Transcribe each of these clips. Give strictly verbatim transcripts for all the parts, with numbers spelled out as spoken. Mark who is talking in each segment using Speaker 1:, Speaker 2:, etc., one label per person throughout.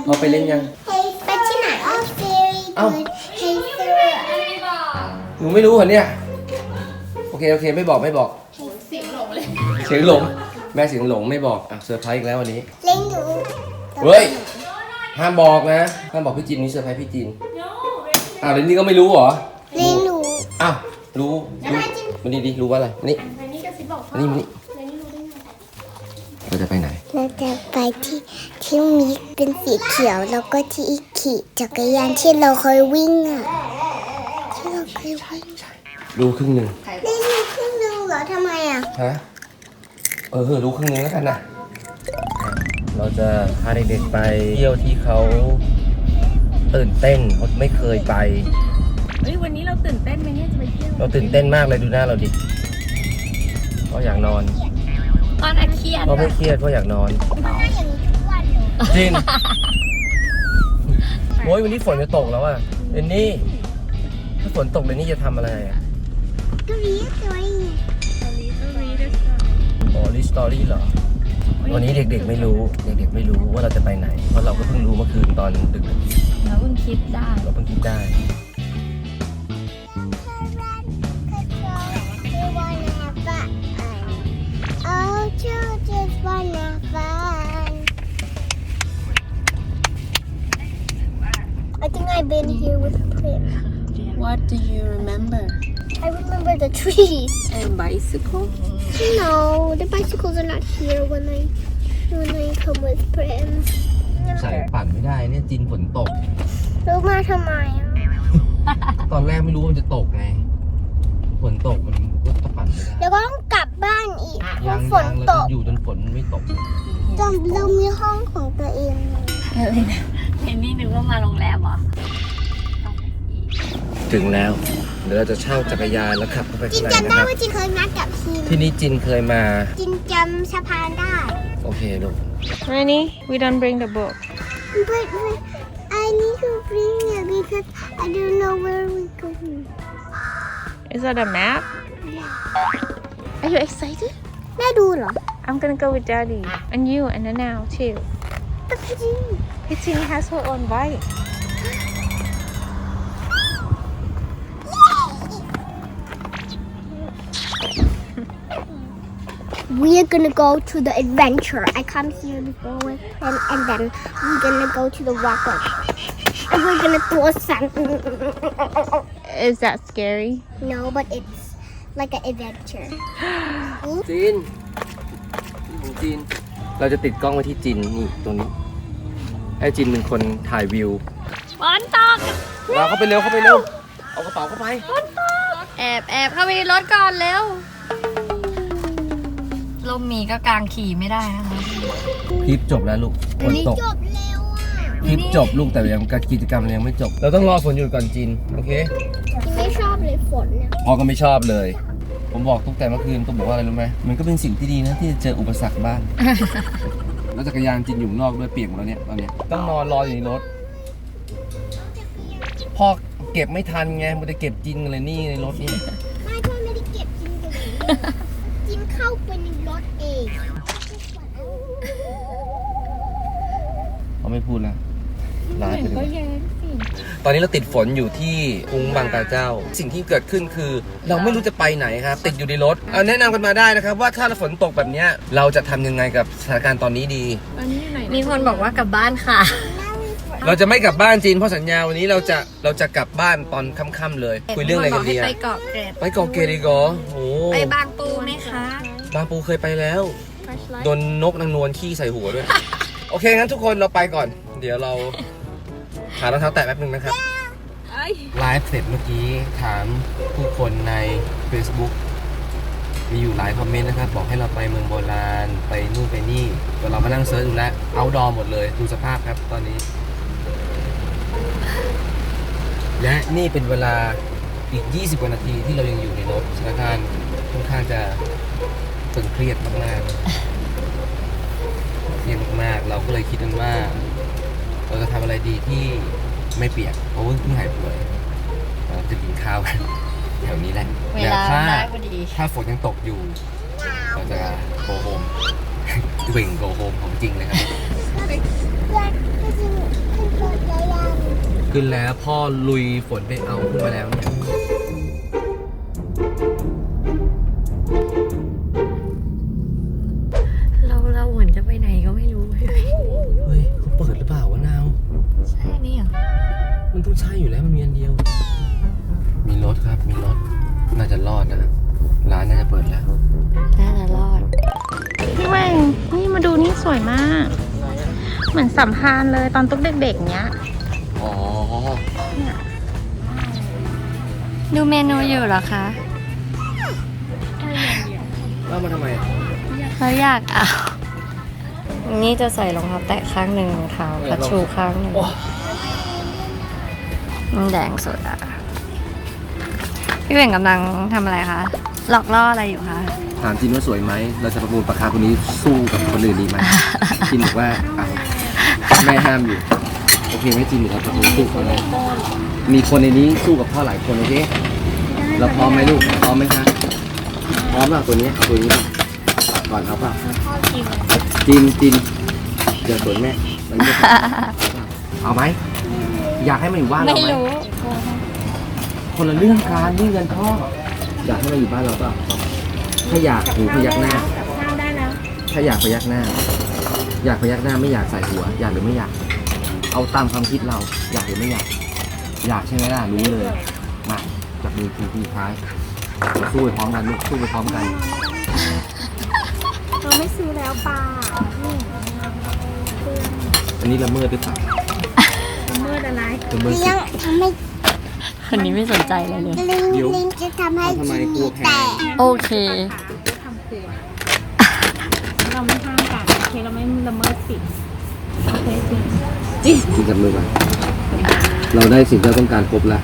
Speaker 1: เขาไปเล่นยัง
Speaker 2: ไปที่ไหนเอ้าเฮ้ยเซอร์
Speaker 1: หนูไม่รู้เหรอเนี่ยโอเคโอเคไม่บอกไม่บอกเสียงหลงเลยเสียงหลงแม่เสียงหลงไม่บอกอ่ะเซอร์ไพรส์อีกแล้ววันนี้
Speaker 2: เล่นหนู
Speaker 1: เฮ้ยห้ามบอกนะห้ามบอกพี่จินนี่เซอร์ไพรส์พี่จินอ้าวเรนนี่ก็ไม่รู้เหรอ
Speaker 2: เล่นหนู
Speaker 1: อ้าวรู้รู้มันดีดีรู้ว่าอะไรนี่
Speaker 3: อันนี้กระซิบบอก
Speaker 1: อันนี้มันนี่เราจะไปไหน
Speaker 2: เราจะไปที่ที่มีเป็นสีเขียวแล้วก็ที่ขี่จักรยานที่เราเคยวิ่งอ่ะที่เราเคยวิ่ง
Speaker 1: รู้ครึ่งหนึ่ง
Speaker 2: เล่นหนูครึ่งหนึงเหรอทำไมอ่ะ
Speaker 1: ฮะเออรู้ครึ่งหนึงแล้วกันนะเราจะพาเด็กๆไปเที่ยวที่เขาตื่นเต้นเขาไม่เคยไป
Speaker 3: เฮ้ยวันนี้เราตื่นเต้นไหมเนี่ยจะไปเที่ยว
Speaker 1: เราตื่นเต้นมากเลยดูหน้าเราดิเพราะอยากนอน
Speaker 3: ตอนอาเคียน
Speaker 1: เพราะไม่เครียดเพราะอยากนอน
Speaker 2: หน้าอย่างนี้ทุกวันเลย
Speaker 1: จริงโอ้ยวันนี้ฝนจะตกแล้วอ่ะเรนนี่ถ้าฝนตกเรนนี่จะทำอะไรอ่ะ
Speaker 2: ก็รีบเลย
Speaker 1: อ๋อลิสตอรี่เหรอวันนี้เด็กๆไม่รู้เด็กๆไม่รู้ว่าเราจะไปไหนเพราะเราก็เพิ่งรู้เมื่อคืนตอนดึก
Speaker 3: เราเพิ่งคิดได้
Speaker 1: ๆเราเพิ่งคิดได้
Speaker 2: Oh, just wanna fun. I think I've been here with Prim.
Speaker 3: What do you remember
Speaker 2: I remember the trees.
Speaker 3: and bicycle
Speaker 2: No, the bicycles are not here when I when I come with Prim.
Speaker 1: ใส่ปั่นไม่ได้เนี่ยจินฝนตก
Speaker 2: รู้มาทำไมอ่ะ
Speaker 1: ตอนแรกไม่รู้ว่ามันจะตกไงฝนตกมันก็ปั่นไม่ได้
Speaker 2: แล้วก็ต้องกลับบ้านอีกเพ
Speaker 1: ยั
Speaker 2: ราะ
Speaker 1: ง
Speaker 2: ฝน
Speaker 1: ยัง
Speaker 2: ต
Speaker 1: แล้ว
Speaker 2: ก
Speaker 1: อยู่จนฝนไม่ตก
Speaker 2: จำเรามีห้องของตัวเอง
Speaker 3: อะไรนะเห็นนี่นึกว่ามาโรงแรมเหรอ
Speaker 1: ถึงแล้วเดี๋ยวเราจะเช่าจักรยานแล้วขับเข้าไป
Speaker 2: จิ
Speaker 1: ข้าน งใน
Speaker 2: จำ
Speaker 1: นะครับ
Speaker 2: ได้ว่าจินเคยนัดกับทีม
Speaker 1: ที่นี่จินเคยมา
Speaker 2: จินจำสะพานได้
Speaker 1: โอเคลูก
Speaker 3: Rennie we don't bring the book
Speaker 2: But, but I need to bring it because I don't know where we're going.
Speaker 3: Is that a map Are you excited
Speaker 2: แม่ดูเหรอ
Speaker 3: I'm gonna go with Daddy and you and Nanao too
Speaker 2: แต่พี่จิน
Speaker 3: Pitching has her own bike
Speaker 2: We are gonna go to the adventure. I come here before with him, and then we're gonna go to the walker. And we're gonna throw something.
Speaker 3: Is that scary
Speaker 2: No, but it's like an adventure.
Speaker 1: จินนี่ของจินเราจะติดกล้องไว้ที่จินนี่ตรงนี้ให้จินเป็นคนถ่ายวิว
Speaker 3: ฝนตก
Speaker 1: เราเข้าไปเร็วเข้าไปเร็วเอากระเป๋าเข้าไป
Speaker 3: แอบแอบเข้าไปในรถก่อนเร็วลมมีก็กลางขี่ไม่ได้นะคะ
Speaker 1: คลิปจบแล้วลูกฝนตก
Speaker 2: จบเร็วอ่ะ
Speaker 1: คลิปจบลูกแต่ยังกิจกรรมยังไม่จบ เราต้องรอฝนหยุดก่อนจินโอเค
Speaker 2: จินไม่ชอบเลยฝนเนี่ย
Speaker 1: พ่อก็ไม่ชอบเลย ผมบอกตุ๊กแต่เมื่อคืนตุ๊กบอกว่าอะไรรู้ไหมมันก็เป็นสิ่งที่ดีนะที่จะเจออุปสรรคบ้าง แล้วจักรยานจินอยู่ข้างนอกด้วยเปียกหมดแล้วเนี่ยตอนเนี้ยต้องนอนรออยู่ในรถพ่อเก็บไม่ทันไงมันจะเก็บจินอะไรนี่ในรถนี่
Speaker 2: ไม่พ่อไม่ได้เก็บจินกันจินเข้าไปในรถเอง
Speaker 1: เขาไม่พูดแล้วไลฟ์ไปเลย
Speaker 3: ก็แย้งสิ
Speaker 1: ตอนนี้เราติดฝนอยู่ที่กรุงบางกาเจ้า สิ่งที่เกิดขึ้นคือ เราไม่รู้จะไปไหนครับ ติดอยู่ในรถเอาแนะนำกันมาได้นะครับ ว่าถ้าฝนตกแบบเนี้ยเราจะทำยังไงกับสถานการณ์ตอนนี้ดี
Speaker 3: อันนี้ไหนมีคนบอกว่ากลับบ้านค่ะ
Speaker 1: เราจะไม่กลับบ้านจีนเพราะสัญญาวันนี้เราจะเราจะกลับบ้านตอนค่ำๆเลย คุยเรื่องอะไรกันดี
Speaker 3: ให้
Speaker 1: อะ
Speaker 3: ไปเกาะเกร็ด
Speaker 1: ไปเกาะเกดีกอโอ้
Speaker 3: ไปบางปูไหมคะ
Speaker 1: บางปูเคยไปแล้วโดนนกนางนวลขี้ใส่หัวด้วย โอเคงั้นทุกคนเราไปก่อน เดี๋ยวเราหารองเท้าแตะแป๊บนึงนะครับไลฟ์เสร็จเมื่อกี้ถามผู้คนใน Facebook มีอยู่หลายคอมเมนต์นะครับ บอกให้เราไปเมืองโบราณไปนู่นไปนี่แต่เรามานั่งเซิร์ชดูแล้วเอาดอหมดเลยดูสภาพครับตอนนี้ และนี่เป็นเวลาอีกยี่สิบกว่านาทีที่เรายังอยู่ในรถสถานการณ์ค่อนข้างจะตึงเครียดมากๆเครียดมากๆเราก็เลยคิดกันว่าเราจะทำอะไรดีที่ไม่เปียกเพราะว่าเพิ่งหายป่วยเราจะกินข้าวกันแถวนี้แหละ
Speaker 3: เว
Speaker 1: แล้ว
Speaker 3: ลา
Speaker 1: ถ้า
Speaker 3: ได้พอดี
Speaker 1: ถ้าฝนยังตกอยู่เราจะโกโฮม วิ่งโกโฮมของจริงเลยครับ
Speaker 2: เพื่อน
Speaker 1: ขึ้นแล้วพ่อลุยฝนไปเอาขึ้นมาแล้วเนี่ย
Speaker 3: เราเราเหมือนจะไปไหนก็ไม่รู้
Speaker 1: เฮ้ยเขาเปิดหรือเปล่าวะนาว
Speaker 3: ใช่นี่เหรอ
Speaker 1: มันต้องใช่อยู่แล้วมันมีอันเดียว มีรถครับมีรถน่าจะรอดนะร้านน่าจะเปิดแล้ว
Speaker 3: น่าจะรอดพี่แหวงนี่มาดูนี่สวยมาก เหมือนสัมภารเลยตอนตุ๊กเด็กๆเนี้ย
Speaker 1: อ๋อ
Speaker 3: ดูเมนูอยู่เหรอคะ
Speaker 1: เล่ามาทำไมอ่ะ
Speaker 3: เขาอยากเอานี่จะใส่รองเท้าแตะข้างหนึ่งรองเท้าคัชชูข้างหนึ่งมันแดงสุดอ่ะ พี่เบ่งกำลังทำอะไรคะ หลอกล่ออะไรอยู่คะ
Speaker 1: ถามจินว่าสวยไหมเราจะประมูลราคาคนนี้สู้กับคนอื่นดีไหม จินบอกว่าอ่ะแม่ห้ามอยู่โอเคไหมจินหรือเราประมูลสู้เขาเลยมีคนในนี้สู้กับพ่อหลายคนโอเคเราพร้อมไหมลูกพร้อมไหมคะพร้อมเปล่าตัวนี้เอาตัวนี้ก่อนครับเปล่าจินจินอย่าสนแม่มันไม่ได้เอาไหมอยากให้มันอยู่บ้านเรา
Speaker 3: ไม่
Speaker 1: ไหม
Speaker 3: รู้
Speaker 1: คนละเรื่องการนี่เงินพ่ออยากให้มันอยู่บ้านเราเปล่าถ้าอยากหูพยักหน้าถ้าอยากพยักหน้า อยากพยักหน้าไม่อยากใส่หัว อยากหรือไม่อยาก เอาตามความคิดเรา อยากหรือไม่อยาก อยากใช่ไหมล่ะรู้เลยมาจับมือทีทีท้ายเราสู้ไปพร้อมกันลูกสู้ไปพร้อมกัน
Speaker 2: เราไม่ซื้อแล้วป่า
Speaker 1: อันนี้ละเมิดหรือเปล่า
Speaker 2: เมื่ออะไร
Speaker 1: ละเมิดสิ
Speaker 2: เลี้ยงทำให้
Speaker 3: คนนี้ไม่สนใจเลยเลย
Speaker 2: ลิงลิงจะทำให้
Speaker 1: ทำไมกลัวแพ้
Speaker 2: แตก
Speaker 3: โอเค
Speaker 4: เราไม่ห้ามกันโอเคเราไม่ละเมิดสิทธิ์โอเคสิ
Speaker 1: จินจับมือมาเราได้สิ่งที่เราต้องการครบแล้ว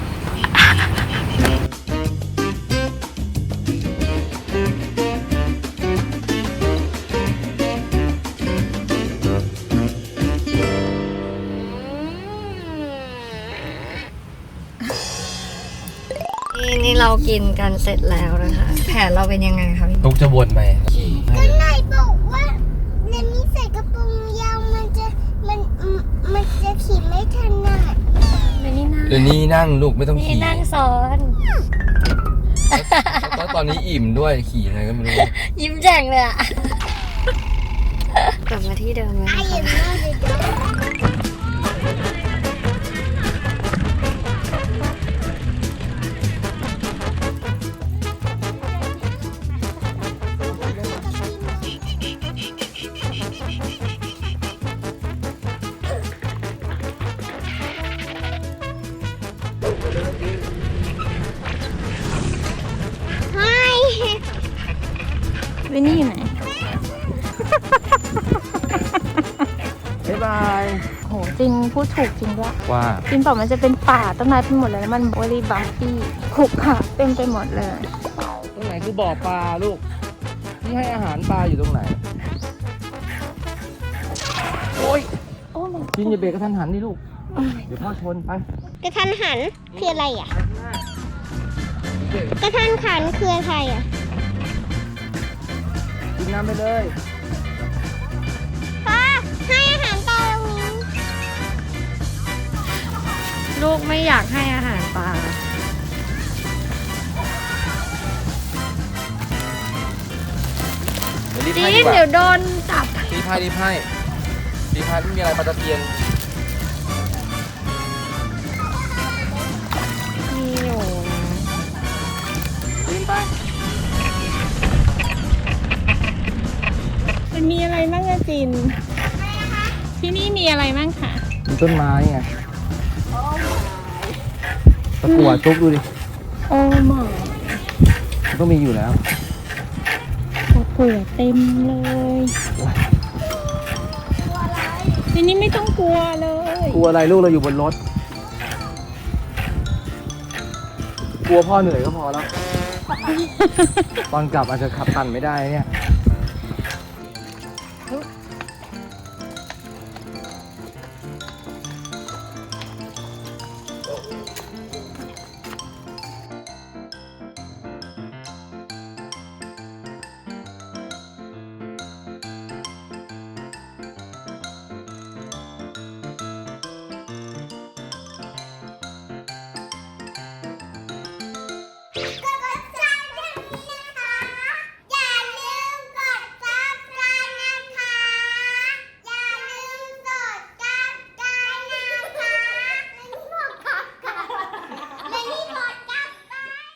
Speaker 3: นี่นี่เรากินกันเสร็จแล้วนะคะ แผนเราเป็นยังไงคะพี่
Speaker 1: ตุ๊กจะวนไป
Speaker 2: ก็นายบอกว่าเนมี่ใส่กระโปรงยาวมันจะมันมันจะขี่ไม่ถนัด
Speaker 3: ไม่นี่นั่ง
Speaker 1: เดี๋ยวนี้นั่งลูกไม่ต้อง
Speaker 3: นี่
Speaker 1: ขี่
Speaker 3: นั่งซ้อน
Speaker 1: แล้วตอนนี้อิ่มด้วยขี่ยังไงก็ไม่รู้
Speaker 3: ยิ้มแจ่งเลยอะกลับมาที่เดิมเลย
Speaker 2: ไอ้
Speaker 3: นะ
Speaker 2: ยัง
Speaker 3: คะ
Speaker 2: ไม่ได้
Speaker 3: วินนี่อยู่ไหน
Speaker 1: บ๊ายบาย
Speaker 3: โหจริงพูดถูกจริงด้วย
Speaker 1: ว่า
Speaker 3: จริงบอกมันจะเป็นป่าต้นไม้ไปหมดเลยแล้วมันบริบัมปี้ขรุขระเต็มไปหมดเลย
Speaker 1: ตรงไหนคือบ่อปลาลูกที่ให้อาหารปลาอยู่ตรงไหน โอ้ย
Speaker 3: โอ้มัน
Speaker 1: จินอย่าเบรกกระทันหันนี่ลูก เดี๋ยวพ่อชนไป
Speaker 2: กระทันหันคืออะไรอ่ะ กระทันหันคืออะไรอ่ะ
Speaker 1: กินน้ำไปเลย
Speaker 2: ป้าให้อาหารปลาตรงนี้
Speaker 3: ลูกไม่อยากให้อาหารปลา
Speaker 1: เดี๋ยวรีบ
Speaker 3: จี
Speaker 1: ให้
Speaker 3: น
Speaker 1: ดีกว่า
Speaker 3: เดี๋ยวโดนจับ
Speaker 1: รีบให้รีบให้รีบให้ไม่มีอะไรปลาตะเพียน
Speaker 3: มีอยู่นะ
Speaker 1: รีบไป
Speaker 4: มันมีอะไรบ้างอะจิน ที่นี่มีอะไรบ้างคะ
Speaker 1: มีต้นไม้ไงตะกั่วตุ๊กดูดิ
Speaker 4: โอ้หมอ
Speaker 1: มันต้องมีอยู่แล้ว
Speaker 4: ตะกั่วเต็มเลยทีนี้ไม่ต้องกลัวเลย
Speaker 1: กลัวอะไรลูกเราอยู่บนรถ กลัวพ่อเหนื่อยก็พอแล้ว ตอนกลับอาจจะขับตันไม่ได้เนี่ย